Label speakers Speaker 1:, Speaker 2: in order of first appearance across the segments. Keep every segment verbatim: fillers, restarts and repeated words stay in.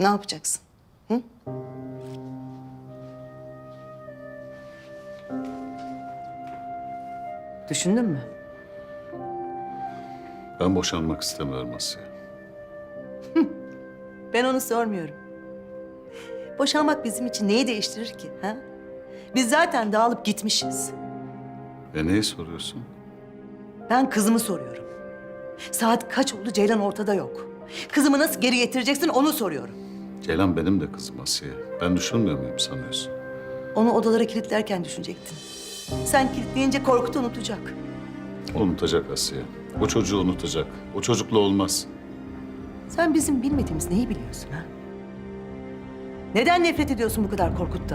Speaker 1: Ne yapacaksın? Hı? Düşündün mü?
Speaker 2: Ben boşanmak istemiyorum Asiye.
Speaker 1: Ben onu sormuyorum. Boşanmak bizim için neyi değiştirir ki? Ha? Biz zaten dağılıp gitmişiz.
Speaker 2: E neyi soruyorsun?
Speaker 1: Ben kızımı soruyorum. Saat kaç oldu, Ceylan ortada yok. Kızımı nasıl geri getireceksin onu soruyorum.
Speaker 2: Ceylan benim de kızım Asiye. Ben düşünmüyor muyum sanıyorsun?
Speaker 1: Onu odalara kilitlerken düşünecektin. Sen kilitleyince Korkut'u unutacak.
Speaker 2: Unutacak Asiye. O çocuğu unutacak. O çocukla olmaz.
Speaker 1: Sen bizim bilmediğimiz neyi biliyorsun ha? Neden nefret ediyorsun bu kadar Korkut'tan?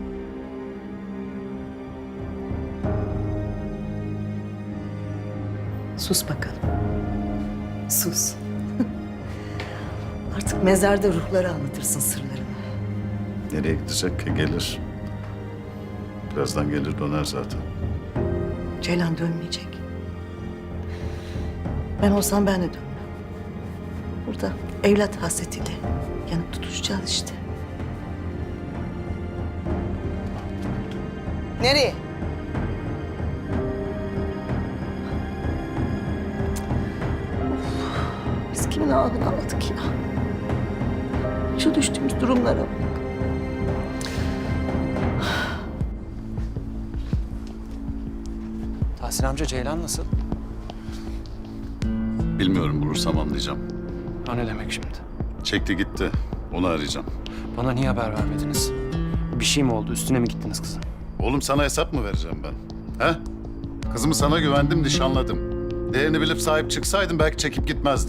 Speaker 1: Sus bakalım. Sus. Artık mezarda ruhlara anlatırsın sırlarını.
Speaker 2: Nereye gidecek ki? Gelir. Birazdan gelir döner zaten.
Speaker 1: Ceylan dönmeyecek. Ben olsam ben de dönmem. Burada evlat hasretiyle yanıp tutuşacağız işte. Nereye? Biz kimin ahını aldık ya? Şu düştüğümüz durumlara bak.
Speaker 3: Tahsin amca, Ceylan nasıl?
Speaker 2: Bilmiyorum, bulursam anlayacağım.
Speaker 3: O ne demek şimdi?
Speaker 2: Çekti gitti. Onu arayacağım.
Speaker 3: Bana niye haber vermediniz? Bir şey mi oldu? Üstüne mi gittiniz kızın?
Speaker 2: Oğlum sana hesap mı vereceğim ben? He? Kızımı sana güvendim, nişanladım. Değerini bilip sahip çıksaydım belki çekip gitmezdi.